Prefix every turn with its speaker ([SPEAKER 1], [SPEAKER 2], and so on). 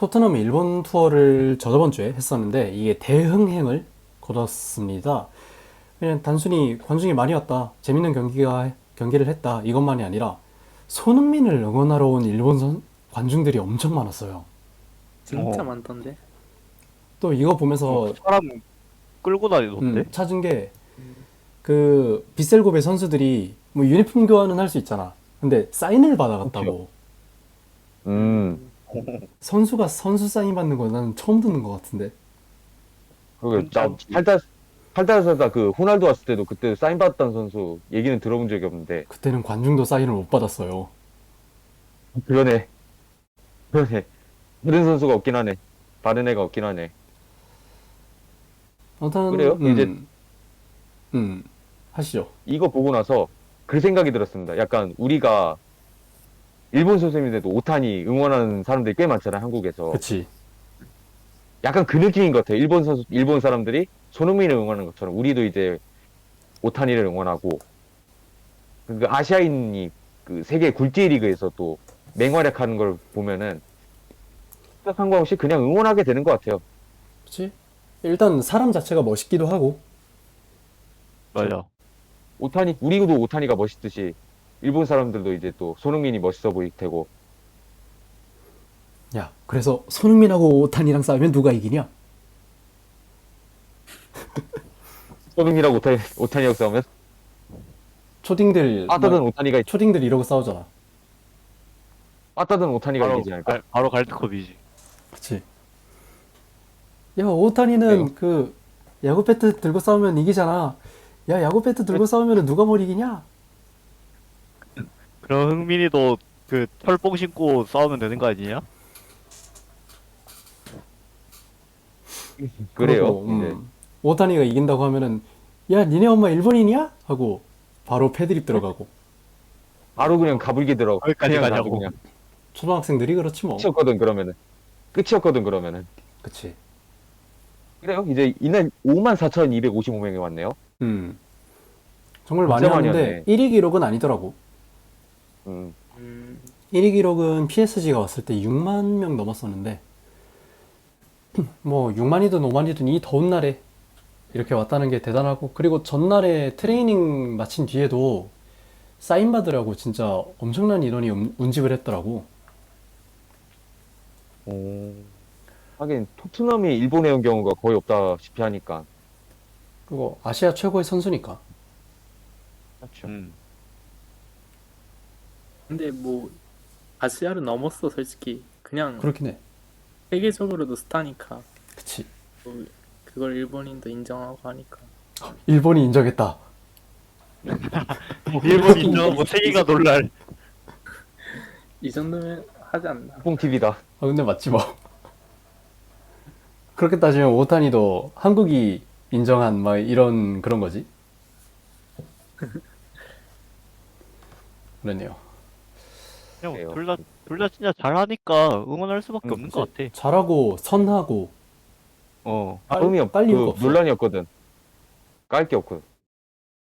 [SPEAKER 1] 토트넘이 일본 투어를 저저번 주에 했었는데 이게 대흥행을 거뒀습니다. 그냥 단순히 관중이 많이 왔다, 재밌는 경기를 했다 이것만이 아니라 손흥민을 응원하러 온 관중들이 엄청 많았어요.
[SPEAKER 2] 진짜
[SPEAKER 3] 어.
[SPEAKER 2] 많던데.
[SPEAKER 1] 또 이거 보면서
[SPEAKER 3] 사람 끌고 다니던데?
[SPEAKER 1] 찾은 게 그 빗셀고베 선수들이 뭐 유니폼 교환은 할 수 있잖아. 근데 사인을 받아갔다고. 선수가 선수 사인 받는 거 나는 처음 듣는 것 같은데.
[SPEAKER 4] 그리고 나
[SPEAKER 3] 괜찮지.
[SPEAKER 4] 팔달살다 그 호날두 왔을 때도 그때 사인 받았던 선수 얘기는 들어본 적이 없는데
[SPEAKER 1] 그때는 관중도 사인을 못 받았어요.
[SPEAKER 4] 그러네. 그러네. 다른 선수가 없긴 하네. 다른 애가 없긴 하네.
[SPEAKER 1] 아무튼
[SPEAKER 4] 그래요? 이제
[SPEAKER 1] 하시죠.
[SPEAKER 4] 이거 보고 나서 그 생각이 들었습니다. 약간 우리가 일본 선수인데도 오타니 응원하는 사람들이 꽤 많잖아요, 한국에서.
[SPEAKER 1] 그치.
[SPEAKER 4] 약간 그 느낌인 것 같아요. 일본 사람들이 손흥민을 응원하는 것처럼 우리도 이제 오타니를 응원하고 그 아시아인이 그 세계 굴지 리그에서 또 맹활약하는 걸 보면은 상관없이 그냥 응원하게 되는 것 같아요.
[SPEAKER 1] 그치? 일단 사람 자체가 멋있기도 하고.
[SPEAKER 3] 맞아.
[SPEAKER 4] 우리도 오타니가 멋있듯이 일본 사람들도 이제 또 손흥민이 멋있어 보일 테고.
[SPEAKER 1] 야, 그래서 손흥민하고 오탄이랑 싸우면 누가 이기냐?
[SPEAKER 4] 손흥민하고 오타니하고 싸우면
[SPEAKER 1] 초딩들
[SPEAKER 4] 빠따든
[SPEAKER 1] 막
[SPEAKER 4] 오타니가
[SPEAKER 1] 초딩들 이러고 싸우잖아.
[SPEAKER 4] 빠따든 오타니가
[SPEAKER 3] 바로,
[SPEAKER 4] 이기지 않을까?
[SPEAKER 3] 바로 갈드컵이지.
[SPEAKER 1] 그치? 야, 오타니는
[SPEAKER 4] 네.
[SPEAKER 1] 그 야구 배트 들고 싸우면 이기잖아. 야, 야구 배트 들고 싸우면 누가 뭘 이기냐?
[SPEAKER 3] 그럼 흥민이도 그 철봉 신고 싸우면 되는 거 아니냐?
[SPEAKER 4] 그래요.
[SPEAKER 1] 그러고,
[SPEAKER 4] 이제
[SPEAKER 1] 오타니가 이긴다고 하면은 야, 니네 엄마 일본인이야? 하고 바로 패드립 들어가고.
[SPEAKER 4] 바로 그냥 가불기 들어.
[SPEAKER 3] 거기까지
[SPEAKER 4] 그냥
[SPEAKER 3] 가냐고.
[SPEAKER 4] 가도 그냥
[SPEAKER 1] 초등학생들이 그렇지 뭐.
[SPEAKER 4] 끝이었거든 그러면은.
[SPEAKER 1] 그치.
[SPEAKER 4] 그래요. 이제 이날 54,255명이 왔네요.
[SPEAKER 1] 정말 많이
[SPEAKER 4] 진짜 많이
[SPEAKER 1] 왔는데
[SPEAKER 4] 왔네.
[SPEAKER 1] 1위 기록은 아니더라고.
[SPEAKER 4] 음.
[SPEAKER 1] 1위 기록은 PSG가 왔을 때 6만 명 넘었었는데 뭐 6만이든 5만이든 이 더운 날에 이렇게 왔다는 게 대단하고, 그리고 전날에 트레이닝 마친 뒤에도 사인 받으라고 진짜 엄청난 인원이 운집을 했더라고.
[SPEAKER 4] 하긴 토트넘이 일본에 온 경우가 거의 없다시피 하니까.
[SPEAKER 1] 그거 아시아 최고의 선수니까.
[SPEAKER 4] 그렇죠.
[SPEAKER 2] 근데 뭐 아시아를 넘었어 솔직히. 그냥
[SPEAKER 1] 그렇긴 해.
[SPEAKER 2] 세계적으로도 스타니까.
[SPEAKER 1] 그치.
[SPEAKER 2] 뭐 그걸 일본인도 인정하고 하니까.
[SPEAKER 1] 일본이 인정했다.
[SPEAKER 3] 일본 인정하고 세계가 놀랄.
[SPEAKER 2] 이 정도면 하지 않나.
[SPEAKER 4] 뽕 TV다.
[SPEAKER 1] 아, 근데 맞지 뭐. 그렇게 따지면 오타니도 한국이 인정한 막 이런 그런 거지. 그러네요.
[SPEAKER 3] 그냥
[SPEAKER 4] 그래요.
[SPEAKER 3] 둘 다 진짜 잘하니까 응원할 수밖에 없는 것 같아.
[SPEAKER 1] 잘하고 선하고
[SPEAKER 3] 어.
[SPEAKER 4] 다음이
[SPEAKER 1] 깔 이유가
[SPEAKER 4] 그
[SPEAKER 1] 없어.
[SPEAKER 4] 논란이었거든. 깔 게 없거든.